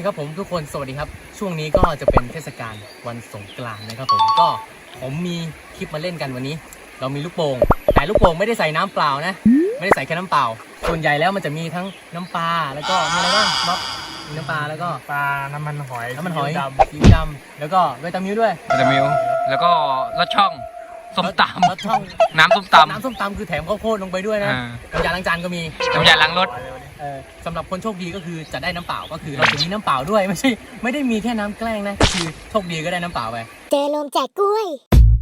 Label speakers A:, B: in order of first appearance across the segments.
A: ครับผมทุกคนสวัสดีครับช่วงนี้ก็จะเป็นเทศกาลวันสงกรานต์นะครับผมมีคลิปมาเล่นกันวันนี้เรามีลูกโป่งแต่ลูกโป่งไม่ได้ใส่น้ำเปล่านะไม่ได้ใส่แค่น้ำเปล่าส่วนใหญ่แล้วมันจะมีทั้งน้ำปลาแล้วก็มีอะไรบ้างบ๊อบมีน้ำปลาแล้วก็
B: ปลาน้ำมันหอย
A: สีดำแล้วก็วิตามิวด้วย
C: วิตามิวแล้วก็รสช่องส้มตำ
A: รสช่อง
C: น้ำส้มต
A: ำคือแถมข้าวโพดลงไปด้วยนะน้ำยาล้างจานก็มี
C: น้ำยาล้างรถ
A: สำหรับคนโชคดีก็คือจะได้น้ำเปล่าก็คือเราจะมีน้ำเปล่าด้วยไม่ได้มีแค่น้ำแกล้งนะก็คือโชคดีก็ได้น้ำเปล่าไป
D: เจลมแจกกล้วย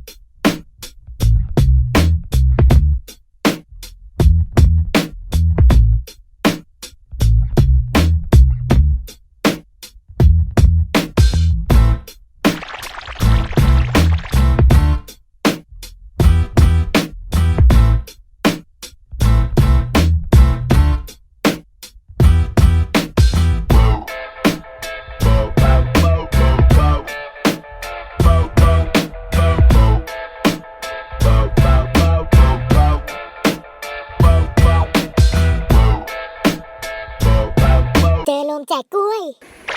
D: แจกกล้วย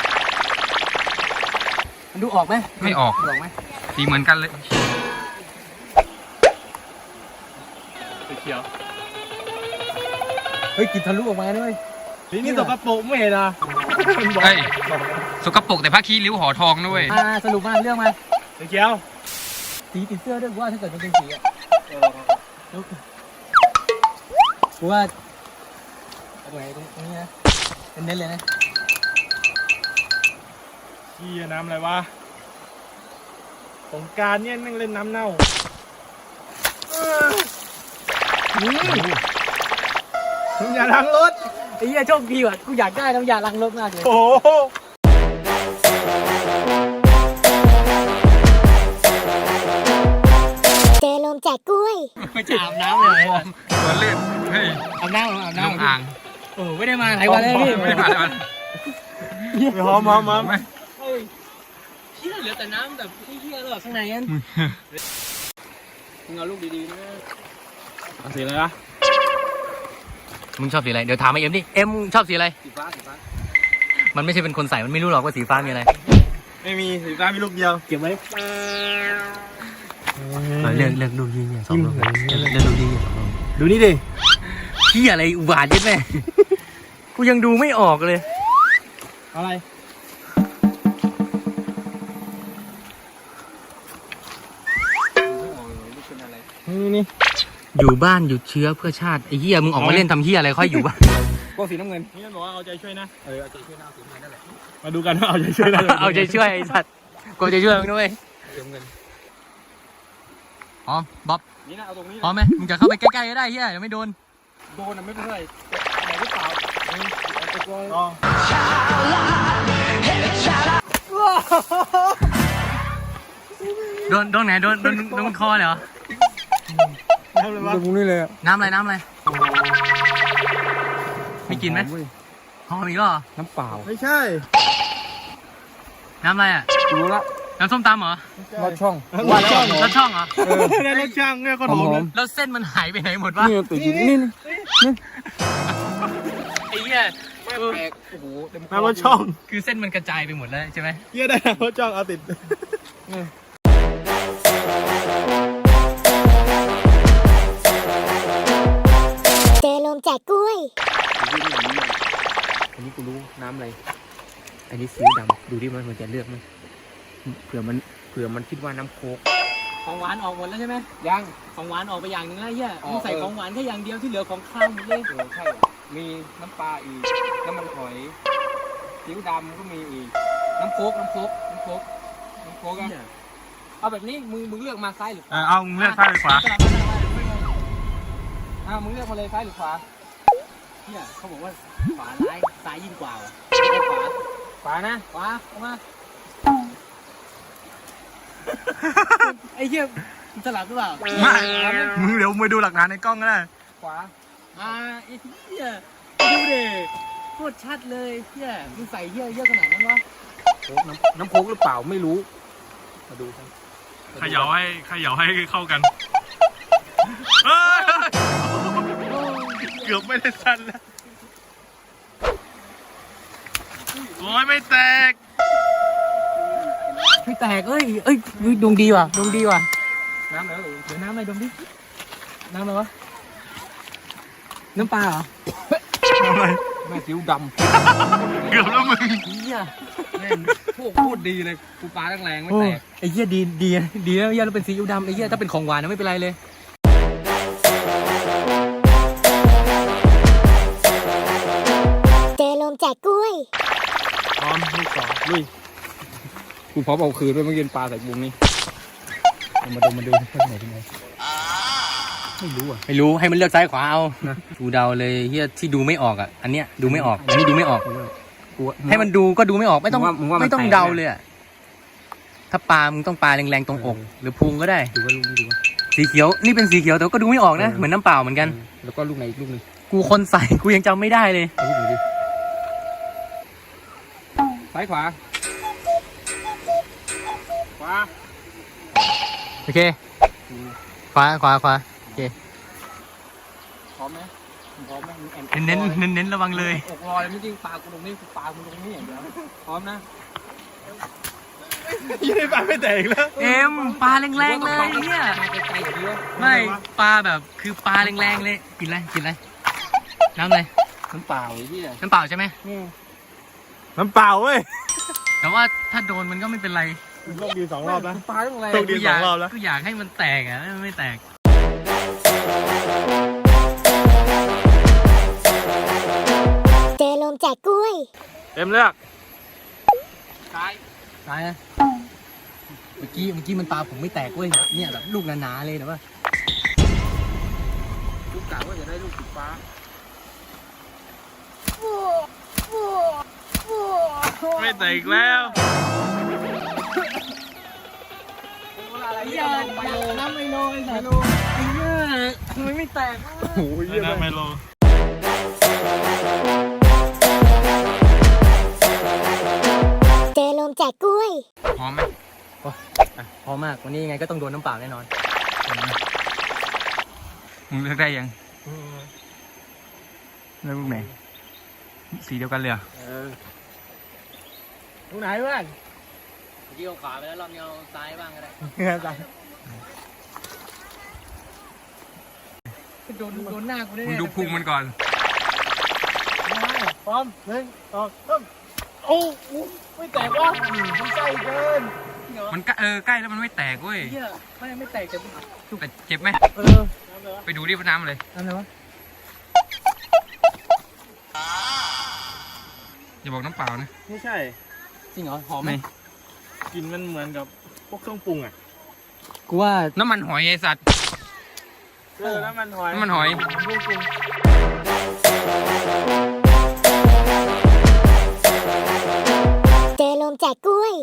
A: มันดูออกไหม
C: ไม่ออก
A: ไหม
C: สีเหมือนกันเลย
B: เขียว
A: เฮ้ยกินทะลุออกมาด้วย
B: นี่สกปรกไม่เห็นอ่ะ
C: เฮ้ยสกปรกแต่ผ้าขี้ริ้วห่อทองด้วย
A: สรุปมาเรื่องมา
B: เขียว
A: สีติดเสื้อด้วยว่าถ้าเกิดมันเป็นสีอ่ะกูว่าตรงไหนตรงนี้นะเน้นเลยนะ
B: ขี้น้ำอะไรวะสงกรานต์เนี่ยนั่งเล่นน้ำเน่าน้ำยาล้างรถ
A: ไอ้เหี้ยโชคดีว่ะกูอยากได้น้ำยาล้างรถมากเลย
B: โอ้
D: เจลมแจกกล้วย
A: ไม่จะอาบน้ำเลย
C: ตัวเล่นเฮ้ย
A: อาบน้ำ
C: อ่าง
A: โอ้ไม่ได้มาหลายวันเลยพี่
C: ไม่ได้มา
B: หอม
A: เหี้ยเหลือแต่น้ำแบบเหี้ยเลยข้างในนั้นมึงเอาลูกดีๆนะ
B: สีอะไรวะ
A: มึงชอบสีอะไรเดี๋ยวถามไอ้เอ็มดิเอ็มชอบสีอะไรสีฟ้ามันไม่ใช่เป็นคนใส่มันไม่รู้หรอกว่าสีฟ้ามีอะไร
B: ไม่มีสีฟ้ามีลูกเดียว
A: เก็บไว้เลือกลูกยิงเนี่ยสองลูกเลือกลูกยิง
B: ดูนี่ดิ
A: เหี้ยอะไรอุบาทยัดแม่กูยังดูไม่ออกเลย
B: อะไรนี่
A: อยู่บ้านหยุดเชื้อเพื่อชาติไอ้เหี้ยมึงออกมาเล่นทำเหี้ยอะไรค่อยอยู่บ้าน
B: ก็สีน้ำเงินนี่บอกว่าเอาใจช่วยนะเอาใจช่วยนะสีน้ำเงินนั่นแหละมาดูกันว่าเอาใจช่วยนะ
A: เอาใจช่วยไอ้สัตว์กูใจช่วยมึงด้วยพร้อมบ๊อบ
B: นี่นะเอาตรงนี้
A: พร้อมไหมมึงจะเข้าไปใกล้ๆก็ได้เหี้ยยังไม่โดน
B: นะไม่เป็นไรไหนหรือเปล่า
A: โดนไหนโดนคอเลยเหรอ
B: น้ำอะไรวะตรงนี้เลย
A: น้ำอะไรไม่กินไหมหอมอีกเหรอ
B: น้ำเปล่าไม่ใช่
A: น้ำอะไรอ่ะ
B: รู้ละ
A: น้ำส้มตำเหรอ
B: รสช่อง
A: รสช่องเหรอรสช่อง
B: เนี่ยก็หอม
A: แล้วเส้นมันหายไปไหนหมดวะ
B: นี่ติดอยู่นี่
A: ไอ้เหี้ย
B: แปลกโอ้โหน้ำรสช่อง
A: คือเส้นมันกระจายไปหมดแล้วใช่ไหม
B: เหี้ยได้รสช่องเอาติด
D: เจลมแจกกล้วย
A: อันนี้กูรู้น้ำอะไรอันนี้ซีอิ๊วดำดูดิมันจะเลือกมั้ยเผื่อมันคิดว่าน้ำโค้กของหวานออกหมดแล้วใช่ไหมยังของหวานออกไปอย่างนึงแล้วเหี้ยมึงใส่ของหวานแค่อย่างเดียวที่เหลือของข้าวหมดเลย
B: ใช่มีน้ำปลาอีกน้ำมันหอยซีอิ๊วดำก็มีอีก
A: น้ำโค้กอ่ะเอาแบบนี้มึงเลือกมาซ้ายหรือขวา
B: เอามึงเลือกซ้ายหรือขวา
A: มึงเลือกมาเลยซ้ายหรือขวาเนี่ยเขาบอกว่าขวาซ้ายยิ่งกว่าขวานะขวาออกมาไอ้เหี้ยสลับหรือเปล่า
B: ไม่มึงเดี๋ยวไปดูหลักฐานในกล้องก็ได้
A: ขวาไอ้เหี้ยดูดิโคตรชัดเลยเหี้ยมึงใส่เหี้ยเยอะขนาดนั้นวะน้ำโค้กหรือเปล่าไม่รู้มาดูกัน
B: เขย่าให้เข้ากันเกือบไม่ได้สั้นแล้ว
C: โอ้ยไม่แตก
A: ไม่แตกเอ้ยดวงดีว่ะดวงดีว่ะ
B: น้ำแล้วหรือ
A: เดี๋ยวน้ำอะไรดมดิน้ำอะไรวะน้ำปลาเหรอ
B: แม่ซิ้วด
C: เกือบแล้วมึง
A: เฮีย
B: ำแม่พูดดีเลยกูปลาแรงๆไม่
A: โอ้
B: แตก
A: ไอ้เฮียดีนะเฮียเราเป็นซีอิ๊วดำไอ้เฮียถ้าเป็นของหวานนะไม่เป็นไรเลย
D: เจอลมแจกกล้วย
B: พร้อมลูกสองลุยกูพร้อมเอาคืนด้วยเมื่อกี้ปลาใส่บุ้งนี่มาดูข้างไหนเป็นไงไม่รู้อ่ะ
A: ไม่รู้ให้มันเลือกซ้ายขวาเอากูเดาเลยเฮียที่ดูไม่ออกอ่ะอันเนี้ยดูไม่ออกอันนี้ดูไม่ออก
B: กู
A: ให้มันดูก็ดูไม่ออกไม่ต้อง
B: มึงว่ามัน
A: ไม่ต้อง
B: แตก
A: เดาเลยอ่ะถ้าปลามึงต้องปลาแรงๆตรงอก หรือพุงก็ได้
B: ดูว่าลูกนี้ดูว่า
A: สีเขียวนี่เป็นสีเขียวแต่ก็ดูไม่ออกนะเหมือนน้ำเปล่าเหมือนกัน
B: แล้วก็ลูกไหนอีกลูกนึง
A: กูคนใส่กูยังจำไม่ได้เลย
B: เอาลูกไหนดิซ้ายขวาขวา
A: โอเคขวาโอเค
B: พร้อมไหมพร้อมไหมมึงแอน
A: เน้นระวังเลย
B: อกลอยไม่จริงปลากูตรงนี้กูปลากูตรงนี้อย่างเดียวพร้อมนะ
C: ยังไม่ปลาไม่แตกแล้ว
A: เอ็มปลาแรงๆเลยเนี่ย
B: มาไกลๆอย่างนี้วะ
A: ไม่ปลาแบบคือปลาแรงๆเลยกินอะไรน้ำอะไร
B: น้ำเปล่าไอ้ที่
A: น้ำเปล่าใช่ไหม
C: น้ำเปล่าเว้ย
A: แต่ว่าถ้าโดนมันก็ไม่เป็นไร
C: โชคดี2 รอบแล้ว
B: ปลาต้องอะไร
C: โชคดี
A: อยาก
C: 2 รอบแล้ว
A: กูอยากให้มันแตกอ่ะไม่แตก
D: เจอลมแจกกล้วย
C: เต็มเลือก
B: ซ้าย
A: ตายนะเมื่อกี้มันปลาผมไม่แตกเว้ยเนี่ยแบบลูกหนาๆเลยแต่ว่า
B: ลูกกะว่าจะได้ลูกติดฟ้า
C: ไม่แตกอีกแล้ว
B: อะไร
A: ไอ้
B: เนี่
A: เหี้
B: ย
A: ย
B: ไปโล
A: น้ำไมโลไอ้สัตว์
B: โล
A: ไอ้เหี้ยทำไมไม่แตกวะ
B: โอ้ยเยี่ยม
C: น้ำไมโล
D: เจอลมแจกกล้วย
C: พร้อมไหม
A: พอมากวันนี้ยังไงก็ต้องโดนน้ำเปล่าแน่นอน
C: มึงเลือกได้ยังเลือกลูกไหนสีเดียวกันเลยเหรอ
A: ลูกไหนเพื่อนเมื่อกี้เอาขวาไปแล้วรอบนี้เอาซ้ายบ้างก็ได้โดนหน้ากูได้
C: มึงดูพุงมันก่อน
A: พร้อม1 2 3โอ้โหไม่แตกวะมันใกล้เกิน
C: มันใกล้แล้วมันไม่แตกเว้ย
A: เหี้ยไม่แตกแต่
C: แต่เจ็บไหม
A: เออ
C: ไปดูดิว่าน้ำอะไร
A: อะไรวะ
C: อย่าบอกน้ำเปล่านะ
E: ไม่ใช่
A: จริงเหรอหอมไหม
E: กลินมันเหมือนกับพวกเครื่องปรุงอ่ะ
A: กูว่า
C: น้ำมันหอยไอสัตว์
E: น้ำมันหอย
C: น้ำมันหอย
D: เจอลมแจกกล้วย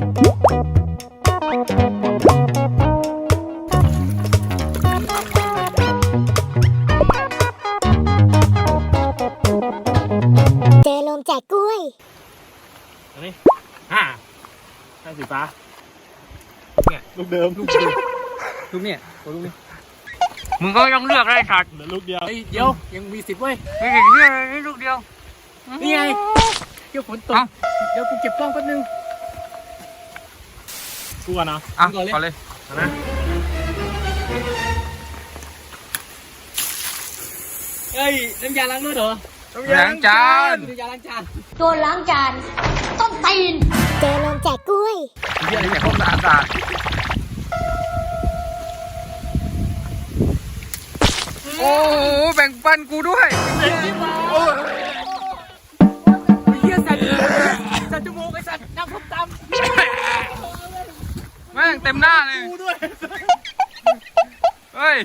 D: เจอลมแจกกล้วย
E: อันนี้ให้สีฟ้าลูกเดิม
B: ลูกเนี่ยตัวลูกนี้
C: มึงก็ต้องเลือกได้สัตว์
E: เหลือลูกเดียว
A: เฮ้ยเดี๋ยวยังมี10เว้ย
C: ไม่เก่งเลือกได้ลูกเดียว
A: นี่ไงเดี๋ยวฝนตก
C: เอ้า
A: เดี๋ยวกูเก็บกล้องแป๊บนึง
E: กูก่อนเนาะ
C: อ่ะ
A: ก่อนเลย
C: ก่อนเลย
E: เอานะ
A: เฮ้ยน้ำยาล้างรถเหรอ
C: ล้างจาน
A: น้ำยาล้างจาน
F: โดนล้างจานต้องตีน
D: เจอลมแจกกล้วย
C: เยี่ยอะไรแต่พวกสะอาดโอ้โหแบ่งปันกูด้วย
A: เฮียสัตว์จมูกไอ้สัตว์น้ำส้มตำ
C: แม่งเต็มหน้าเลยเฮ้ย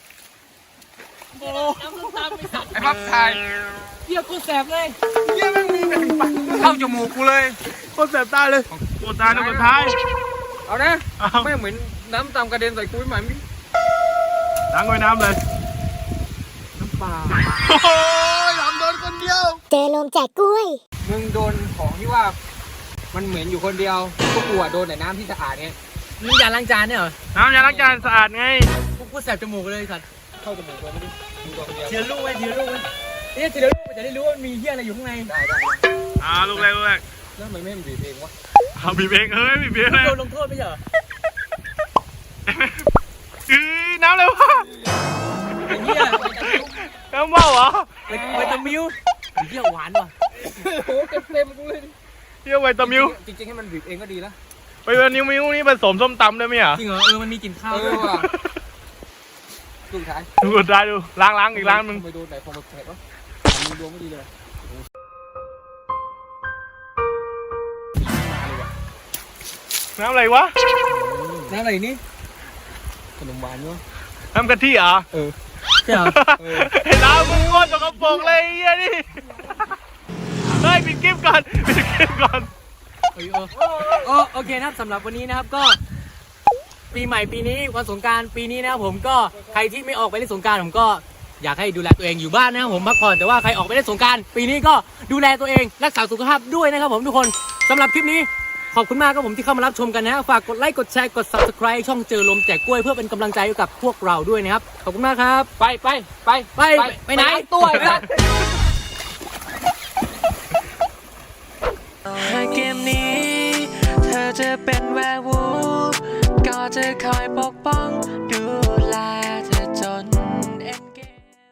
A: น้ำส้มตำไอ้สัตว์
C: ไอ้พับถ่าย
A: เฮียกูแสบเลย
C: เข้าจมูกกูเลย
E: โคตรแสบตาเลยปวดตาในสุดท้าย
B: เอานะ
E: เอา
B: ไม่เหมือนน้ำตามกระเด็นใส่กูไม่เหมือน
E: ล้างไว้น้ำเลย
B: ปลา
E: โอ้ยหลำโดนคนเดียว
D: เจอลมแจกกล้วย
B: มึงโดนของที่ว่า มันเหมือนอยู่คนเดียวพวกกูอะโดนแต่น้ำที่สะอาดเนี่ย
A: น้ำยาล้างจานเนี่ยเหรอ
E: น้ำยาล้างจานสะอาดไง
A: กูแสบจมูกเลยไอ้สัตว์
B: เข้าจมูกตัวไม่ได้ดูตัวคนเดียว
A: ทีละลูกไว้ทีละลูกไว้เนี่ยทีละลูกมันจะได้รู้ว่ามีเฮียอะไรอยู่ข้างใน
B: ได้
E: ลูกแรก
B: แล้วทำไมไม่ให้มันบีบเองวะ
E: เอาบีบเองบีบเองเลย
A: โดนลงโทษไม่ใช่เหรอ
E: น้ำอะไรวะ
A: ไอ้เหี้ย
E: น้ำเมาเหรอ
A: ไวตามิวไอ้เหี้ยหวานว่ะ
B: โอ้โหเต็มกูเลย
E: เที่ยวไวตามิว
B: จริงๆให้มันบีบเองก็ดีนะ
E: ไวตามิวนี่ผสมส้มตำได้ไหมอ่ะ
A: จริงเหรอมันมีกลิ่นข้าว
B: เอ
A: ด้ว
B: อย ว่ะสุดท้าย
E: ดูได้ดูล้างอีกล้างนึง
B: ทำไมโดนไหนพอมาแผลวะมือดวงไม่ดีเลย
E: น้ำอะไรวะ
B: น้ำอะไรนี่ขนมหวานเนาะ
E: น้ำกะทิเหรอ
A: ใช่เหรอ
E: ไอ้น้ำมึงโคตรสกปรกเลยไอ้เหี้ยนี่เฮ้ยปิดคลิปก่อนปิดคลิปก่อน
A: โอเคนะครับสำหรับวันนี้นะครับก็ ปีใหม่ปีนี้วันสงกรานต์ปีนี้นะครับผมก็ใครที่ไม่ออกไปเล่นสงกรานต์ผมก็อยากให้ดูแลตัวเองอยู่บ้านนะครับผมพักผ่อนแต่ว่าใครออกไปเล่นสงกรานต์ปีนี้ก็ดูแลตัวเองรักษาสุขภาพด้วยนะครับผมทุกคนสำหรับคลิปนี้ขอบคุณมากครับผมที่เข้ามารับชมกันนะฝากกดไลค์กดแชร์กด Subscribe ช่องเจอลมแจกกล้วยเพื่อเป็นกำลังใจให้กับพวกเราด้วยนะครับขอบคุณมากครับไปไหนตัวครับ
G: เกมนี้เธอจะเป็นแวร์วูฟก็จะคอยปกป้อง